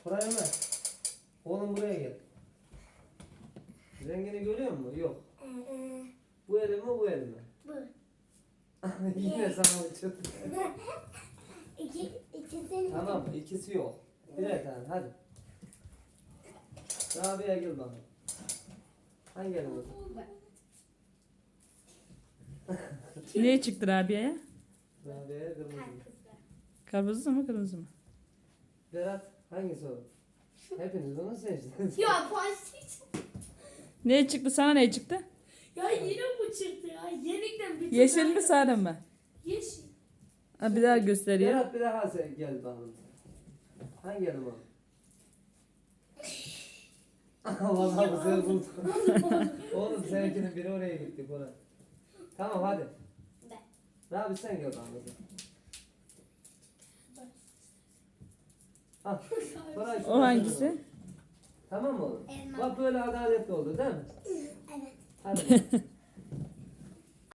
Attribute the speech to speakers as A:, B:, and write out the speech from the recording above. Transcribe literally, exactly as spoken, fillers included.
A: Buraya mı? Oğlum buraya gel. Rengini görüyor musun? Yok.
B: Ee,
A: Bu el mi bu el mi?
B: bu.
A: Yine sana uçurdu.
B: İki, ikisini.
A: Tamam ikisi yok. Birer tane hadi. Rabia gel bakalım. Hangi el oldu?
C: Ne çıktı Rabia'ya?
A: Rabia'ya kırmızı.
C: Karpuzlu mu kırmızı mı?
A: Berat hangisi o? Hepiniz onu seçtiniz.
B: Ya plastik.
C: Ne çıktı sana ne çıktı?
B: Ya yine bu çıktı ya. Yenikten bir
C: Yeşil mi sarı mı?
B: Yeşil.
C: Ha, bir daha gösteriyor.
A: Berat bir daha sen gel bakalım. Hangi elim o? Vallahi bu sefer buldum. Oğlum seninkinin biri oraya gitti Bora. Tamam hadi.
B: Ben.
A: Rabi sen gel bakalım. Al. Bora şu
C: O hangisi?
A: Tamam mı oğlum?
B: Elma.
A: Bak böyle adaletli oldu değil mi?
B: Evet.
A: Hadi.